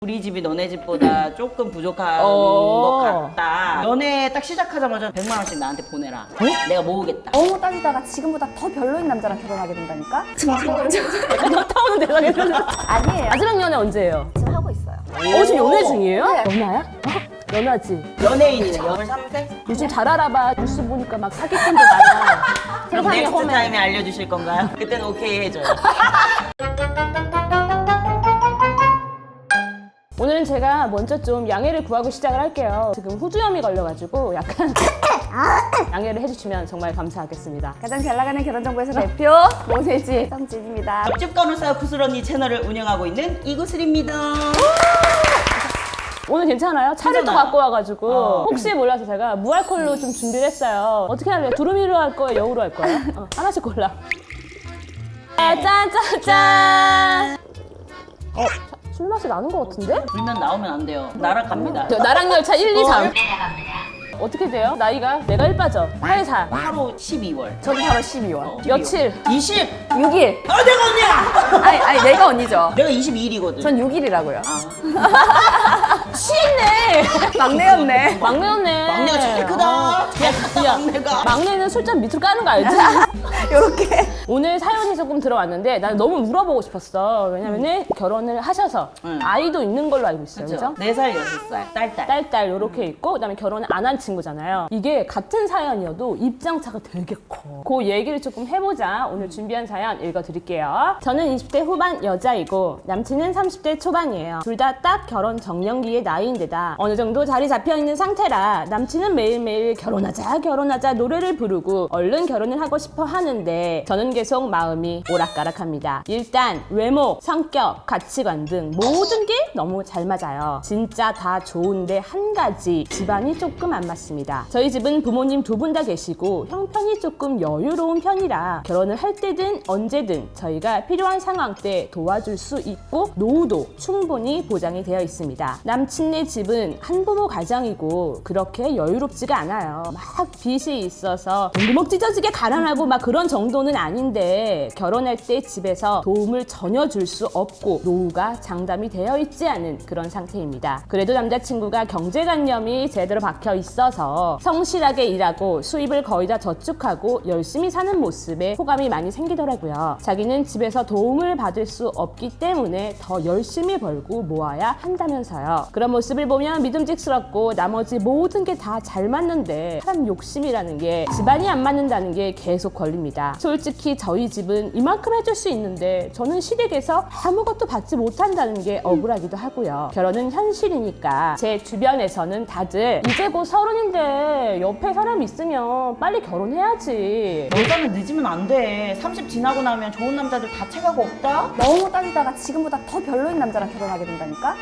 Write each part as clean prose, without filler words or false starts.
우리 집이 너네 집보다 조금 부족한 것 같다. 연애 딱 시작하자마자 100만 원씩 나한테 보내라. 내가 모으겠다. 너무 따지다가 지금보다 더 별로인 남자랑 결혼하게 된다니까? 너 타오는 대상에서 아니에요. 마지막 연애 언제예요? 지금 하고 있어요. 지금 연애 중이에요? 네. 연하야? 연하지. 연예인이네. 23세? 요즘 잘 알아봐. 뉴스 보니까 막 사기꾼도 많아. 그럼 세상에 넥스트 험해. 타임에 알려주실 건가요? 그때는 오케이 해줘요. 오늘은 제가 먼저 좀 양해를 구하고 시작을 할게요. 지금 후두염이 걸려가지고 약간 양해를 해주시면 정말 감사하겠습니다. 가장 잘 나가는 결혼정보에서 대표 모세지 성진입니다. 옆집 간호사 구슬 언니 채널을 운영하고 있는 이구슬입니다. 오늘 괜찮아요? 차를 또 괜찮아요. 갖고 와가지고 혹시 몰라서 제가 무알콜로 좀 준비를 했어요. 어떻게 할래요? 두루미로 할 거예요? 여우로 할 거예요? 하나씩 골라. 짠짠짠! 술 맛이 나는 것 같은데? 불면 나오면 안 돼요. 날아갑니다. 나랑 열차 1, 2, 3. 어떻게 돼요? 나이가? 내가 1 빠져. 8, 4. 8호 12월. 저도 바로 12월. 며칠? 20! 6일. 아, 내가 언니야! 아니 내가 언니죠. 내가 22일이거든. 전 6일이라고요. 취했네! 막내였네. 막내였네. 막내가 제일 크다. 야, 막내가. 막내는 술잔 밑으로 까는 거 알지? 요렇게. 오늘 사연이 조금 들어왔는데 난 너무 물어보고 싶었어. 왜냐면은 결혼을 하셔서 아이도 있는 걸로 알고 있어요. 그죠? 4살, 6살. 딸. 딸 요렇게 있고 그다음에 결혼을 안 한 친구잖아요. 이게 같은 사연이어도 입장차가 되게 커. 그 얘기를 조금 해보자. 오늘 준비한 사연 읽어드릴게요. 저는 20대 후반 여자이고 남친은 30대 초반이에요. 둘 다 딱 결혼 정년기의 나이인데다 어느 정도 자리 잡혀있는 상태라 남친은 매일매일 결혼하자 노래를 부르고 얼른 결혼을 하고 싶어 하는데 저는 계속 마음이 오락가락합니다. 일단 외모, 성격, 가치관 등 모든 게 너무 잘 맞아요. 진짜 다 좋은데 한 가지 집안이 조금 안 맞습니다. 저희 집은 부모님 2분 다 계시고 형편이 조금 여유로운 편이라 결혼을 할 때든 언제든 저희가 필요한 상황 때 도와줄 수 있고 노후도 충분히 보장이 되어 있습니다. 남친네 집은 한부모 가정이고 그렇게 여유롭지가 않아요. 막 빚이 있어서 돈구멍 찢어지게 가난하고 막 그런 정도는 아닌데 결혼할 때 집에서 도움을 전혀 줄 수 없고 노후가 장담이 되어 있지 않은 그런 상태입니다. 그래도 남자친구가 경제관념이 제대로 박혀 있어서 성실하게 일하고 수입을 거의 다 저축하고 열심히 사는 모습에 호감이 많이 생기더라고요. 자기는 집에서 도움을 받을 수 없기 때문에 더 열심히 벌고 모아야 한다면서요. 그런 모습을 보면 믿음직스럽고 나머지 모든 게 다 잘 맞는데 사람 욕심이라는 게 집안이 안 맞는다는 게 계속 걸립니다. 솔직히 저희 집은 이만큼 해줄 수 있는데 저는 시댁에서 아무것도 받지 못한다는 게 억울하기도 하고요. 결혼은 현실이니까 제 주변에서는 다들 이제 곧 30인데 옆에 사람 있으면 빨리 결혼해야지. 여자는 늦으면 안 돼. 30 지나고 나면 좋은 남자들 다 체가가 없다? 너무 따지다가 지금보다 더 별로인 남자랑 결혼하게 된다니까?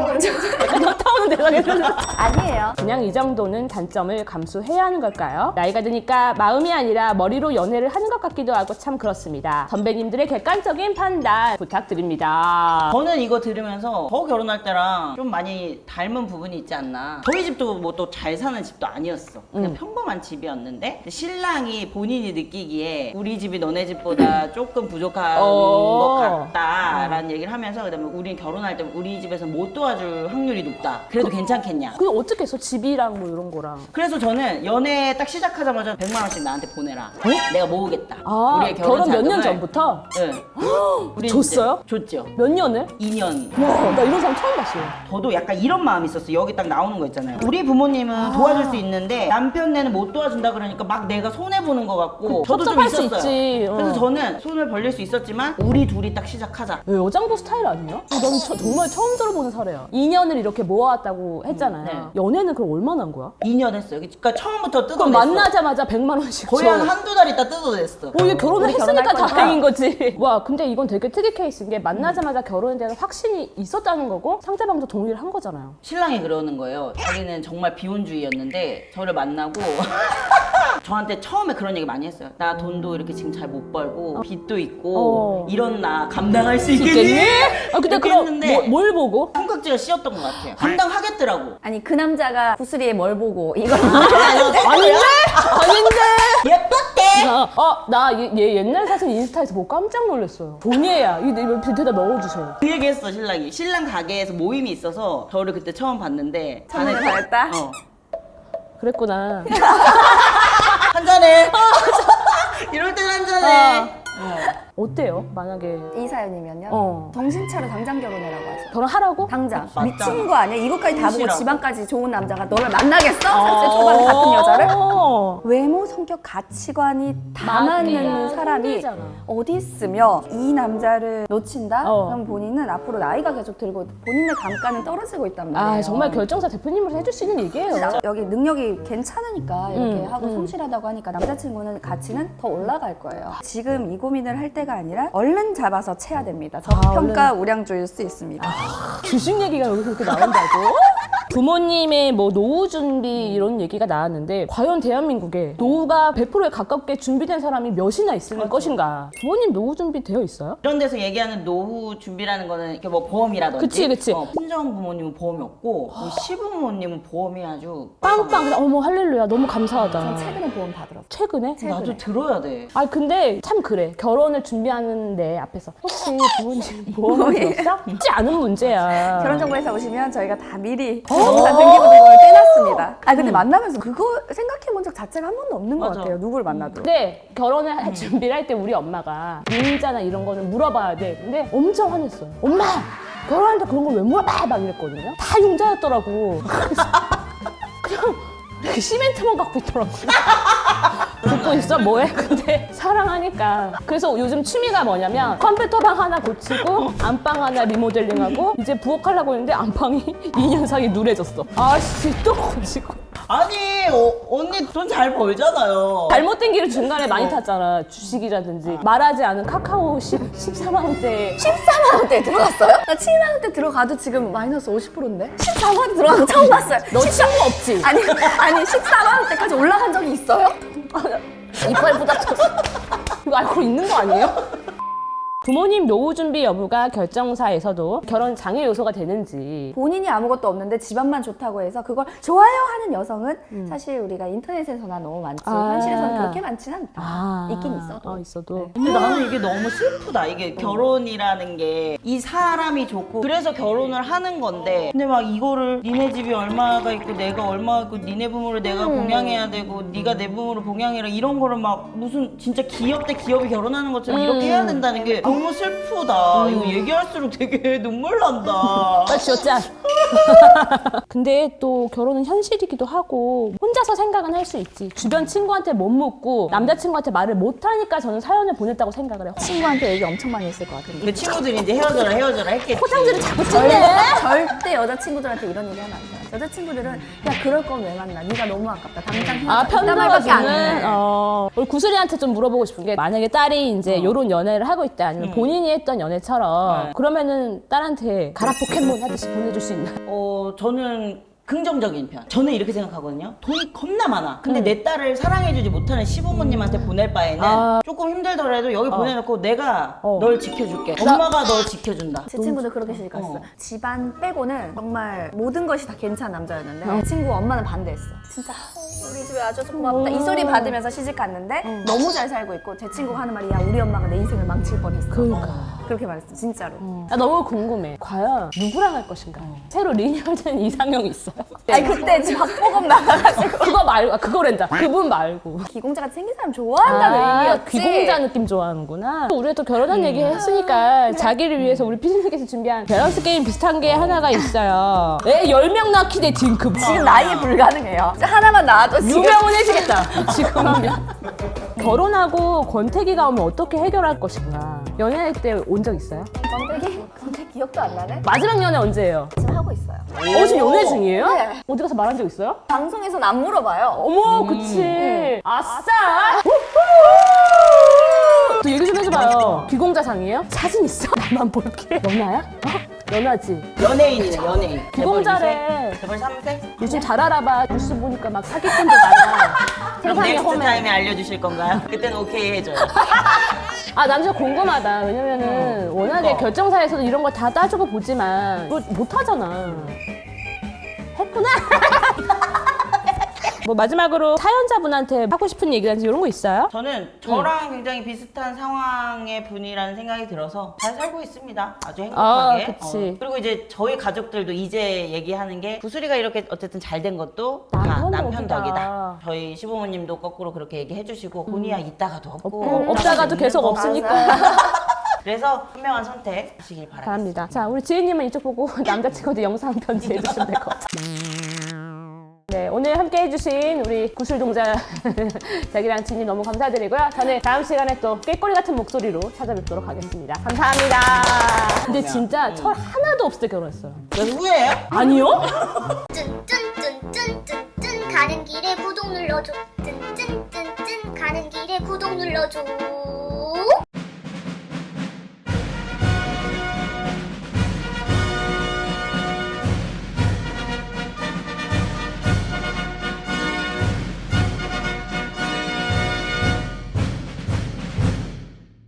너 타오는 대상에서 아니에요. 그냥 이 정도는 단점을 감수해야 하는 걸까요? 나이가 드니까 마음이 아니라 머리로 연애를 하는 것 같기도 하고 참 그렇습니다. 선배님들의 객관적인 판단 부탁드립니다. 저는 이거 들으면서 저 결혼할 때랑 좀 많이 닮은 부분이 있지 않나. 저희 집도 뭐 또 잘 사는 집도 아니었어. 그냥 평범한 집이었는데 신랑이 본인이 느끼기에 우리 집이 너네 집보다 조금 부족한 것 같다라는 얘기를 하면서 그다음에 우린 결혼할 때 우리 집에서 못 도와줄 확률이 높다. 그래도 괜찮겠냐. 그게 어떻게 했어? 집이랑 뭐 이런 거랑. 그래서 저는 연애 딱 시작하자마자 100만 원씩 나한테 보내라. 내가 모으겠다. 우리의 결혼 몇 년 자금을. 전부터? 네. 우리 줬어요? 이제 줬죠. 몇 년을? 2년. 와, 나 이런 사람 처음 봤어요. 저도 약간 이런 마음이 있었어요. 여기 딱 나오는 거 있잖아요. 우리 부모님은 도와줄 수 있는데 남편네는 못 도와준다 그러니까 막 내가 손해보는 것 같고 저도 좀 섭섭할 수 있었어요. 있지. 그래서 저는 손을 벌릴 수 있었지만 우리 둘이 딱 시작하자. 왜 여장부 스타일 아니에요? 난 정말 처음 들어보는 사례야. 2년을 이렇게 모아왔다고 했잖아요. 네. 연애는 그럼 얼마나 한 거야? 2년 했어요. 그러니까 처음부터 그럼 뜯어냈어. 만나자마자 100만 원씩 거의 줘. 한 한두 달 있다 뜯어냈어. 이게 결혼을 우리 했으니까 결혼할 거니까. 다행인 거지. 와, 근데 이건 되게 특이 케이스인 게 만나자마자 결혼에 대한 확신이 있었다는 거고 상대방도 동의를 한 거잖아요. 신랑이 그러는 거예요. 자기는 정말 비혼주의였는데 저를 만나고 저한테 처음에 그런 얘기 많이 했어요. 나 돈도 이렇게 지금 잘 못 벌고 빚도 있고 이런 나 감당할 수 있겠니? 근데 이렇게 그럼 했는데 뭘 보고? 손깍지가 씌었던 것 같아요. 감당하겠더라고. 아니 그 남자가 구슬이에 뭘 보고 이걸 아닌데? 예뻤대. 나 얘 옛날 사진 인스타에서 보고 깜짝 놀랐어요. 본예야. 이거 대답 넣어주세요. 그 얘기했어 신랑이. 신랑 가게에서 모임이 있어서 저를 그때 처음 봤는데 선물을 받았다? 그랬구나. 한잔해. 이럴 땐 한잔해. 어때요? 만약에 이 사연이면요. 정신 차려 당장 결혼해라고 하죠. 결혼하라고? 당장. 맞다. 미친 거 아니야? 이것까지 다 보고 현실하고. 지방까지 좋은 남자가 너를 만나겠어? 30대 초반에 같은 여자를? 외모, 성격, 가치관이 다 맞는 사람이 힘들잖아. 어디 있으며 이 남자를 놓친다? 어. 그럼 본인은 앞으로 나이가 계속 들고 본인의 감가는 떨어지고 있단 말이에요. 아 정말 결정사 대표님으로 해줄 수 있는 얘기예요. 여기 능력이 괜찮으니까 이렇게 하고 음. 성실하다고 하니까 남자친구는 가치는 더 올라갈 거예요. 지금 이 고민을 할 때가 아니라 얼른 잡아서 채야 됩니다. 저평가 우량주일 수 있습니다. 주식 얘기가 여기서 그렇게 나온다고? 부모님의 뭐 노후 준비 이런 얘기가 나왔는데 과연 대한민국에 노후가 100%에 가깝게 준비된 사람이 몇이나 있을 것인가? 부모님 노후 준비 되어 있어요? 이런 데서 얘기하는 노후 준비라는 거는 이렇게 뭐 보험이라든지. 그치. 친정 부모님은 보험이 없고 우리 시부모님은 보험이 아주 빵빵 그냥 어머 할렐루야 너무 감사하다. 전 최근에 보험 다 들었어요. 최근에? 나도 들어야 돼. 아 근데 참 그래 결혼을 준비하는데 앞에서 혹시 부모님 보험을 들었어? 쉽지 않은 문제야. 결혼정보회사 오시면 저희가 다 미리 부동산 등기부등본을 떼놨습니다. 아 근데 만나면서 그거 생각해본 적 자체가 한 번도 없는 것 맞아. 같아요. 누굴 만나도. 근데 결혼을 할 준비를 할 때 우리 엄마가 민자나 이런 거는 물어봐야 돼. 근데 엄청 화냈어요. 엄마 결혼할 때 그런 걸 왜 물어봐? 막 이랬거든요. 다 융자였더라고. 그래서 그냥 이렇게 시멘트만 갖고 있더라고. 듣고 있어? 뭐해? 근데 사랑하니까. 그래서 요즘 취미가 뭐냐면 컴퓨터방 하나 고치고 안방 하나 리모델링하고 이제 부엌하려고 했는데 안방이 2년 사이에 누래졌어. 아씨 또 고치고. 아니 언니 돈 잘 벌잖아요. 잘못된 길을 중간에 많이 탔잖아. 주식이라든지 말하지 않은 카카오 14만 원대 14만 원대 들어갔어요? 나 7만 원대 들어가도 지금 마이너스 50%인데? 14만 원대 들어가도 처음 봤어요. 너 친구 없지? 아니 14만 원대까지 올라간 적이 있어요? 이빨 부닥쳤어. 이거 알고 있는 거 아니에요? 부모님 노후 준비 여부가 결정사에서도 결혼 장애 요소가 되는지. 본인이 아무것도 없는데 집안만 좋다고 해서 그걸 좋아요 하는 여성은 사실 우리가 인터넷에서나 너무 많지 현실에서는 그렇게 많지는 않다. 있긴 있어도. 있어도. 근데 나는 이게 너무 슬프다. 이게 결혼이라는 게 이 사람이 좋고 그래서 결혼을 하는 건데 근데 막 이거를 니네 집이 얼마가 있고 내가 얼마가 있고 니네 부모를 내가 봉양해야 되고 네가 내 부모를 봉양해라 이런 거를 막 무슨 진짜 기업 대 기업이 결혼하는 것처럼 이렇게 해야 된다는 게 너무 슬프다. 이거 얘기할수록 되게 눈물 난다. 빨리 쥐었자. 근데 또 결혼은 현실이기도 하고 혼자서 생각은 할 수 있지. 주변 친구한테 못 묻고 남자친구한테 말을 못 하니까 저는 사연을 보냈다고 생각을 해요. 친구한테 얘기 엄청 많이 했을 것 같은데. 그 친구들이 이제 헤어져라 했겠지. 포장지를 자꾸 찢네. 절대 여자친구들한테 이런 얘기 하면 안 돼요. 여자친구들은 야 그럴 거면 왜 만나? 네가 너무 아깝다. 당장 헤어져. 이딴 말밖에 안 해. 우리 구슬이한테 좀 물어보고 싶은 게 만약에 딸이 이제 요런 연애를 하고 있다 아니면 본인이 했던 연애처럼 그러면은 딸한테 가라 포켓몬 하듯이 보내줄 수 있나? 저는 긍정적인 편. 저는 이렇게 생각하거든요. 돈이 겁나 많아. 근데 내 딸을 사랑해주지 못하는 시부모님한테 보낼 바에는 조금 힘들더라도 여기 보내놓고 내가 널 지켜줄게. 엄마가 널 지켜준다. 제 친구도 그렇게 시집갔어요. 집안 빼고는 정말 모든 것이 다 괜찮은 남자였는데 제 친구 엄마는 반대했어. 진짜 우리 집에 와줘서 고맙다. 이 소리 받으면서 시집 갔는데 너무 잘 살고 있고 제 친구가 하는 말이 야 우리 엄마가 내 인생을 망칠 뻔했어. 그렇게 말했어. 진짜로. 나 너무 궁금해. 과연 누구랑 할 것인가? 새로 리뉴얼된 이상형이 있어요. 아니 그때 박보검 나가가지고 그거 말고 그거랜다. 그분 말고. 기공자같이 생긴 사람 좋아한다는 의미였지. 귀공자 느낌 좋아하는구나. 우리가 또 결혼한 얘기 했으니까 자기를 위해서 우리 피디님께서 준비한 밸런스 게임 비슷한 게 하나가 있어요. 애 10명 낳기 대 딩크. 지금 나이에 불가능해요. 하나만 나와도 지금 유명은 해지겠다. 지금이면. 결혼하고 권태기가 오면 어떻게 해결할 것인가. 연애할 때 온 적 있어요? 건태 기억도 안 나네. 마지막 연애 언제예요? 지금 하고 있어요. 지금 연애 중이에요? 네. 어디 가서 말한 적 있어요? 방송에선 안 물어봐요. 어머, 그치. 아싸! 또 얘기 좀 해줘봐요. 귀공자상이에요? 사진 있어? 나만 볼게. 너나야? 연하지. 연예인이네, 연예인. 기공 재벌 잘해. 2세? 재벌 3세? 요즘 잘 알아봐. 뉴스 보니까 막 사기꾼도 많아. 그럼 세상에 넥스트 험해. 타임에 알려주실 건가요? 그때는 오케이 해줘요. 아, 난 진짜 궁금하다. 왜냐면은 워낙에 그러니까. 결정사에서도 이런 걸 다 따지고 보지만 뭐 못하잖아. 했구나. 뭐 마지막으로 사연자분한테 하고 싶은 얘기라든지 이런 거 있어요? 저는 저랑 굉장히 비슷한 상황의 분이라는 생각이 들어서 잘 살고 있습니다. 아주 행복하게. 아, 그치. 그리고 이제 저희 가족들도 이제 얘기하는 게 구슬이가 이렇게 어쨌든 잘 된 것도 다 남편 남편 덕이다. 덕이다. 저희 시부모님도 거꾸로 그렇게 얘기해 주시고 본이야 있다가도 없고 없다가도 계속 거. 없으니까. 그래서 현명한 선택 하시길 바랍니다. 바랍니다. 자, 우리 지혜님은 이쪽 보고 남자친구한테 영상 편지 해주시면 될 것 같아요. 네, 오늘 함께 해주신 우리 구슬동자 자기랑 지님 너무 감사드리고요. 저는 다음 시간에 또 꾀꼬리 같은 목소리로 찾아뵙도록 하겠습니다. 감사합니다. 근데 진짜 철 하나도 없을 때 결혼했어요. 누구예요? 아니요? 쭌쭌쭌쭌쭌쭌 가는 길에 구독 눌러줘 쭌쭌쭌쭌 가는 길에 구독 눌러줘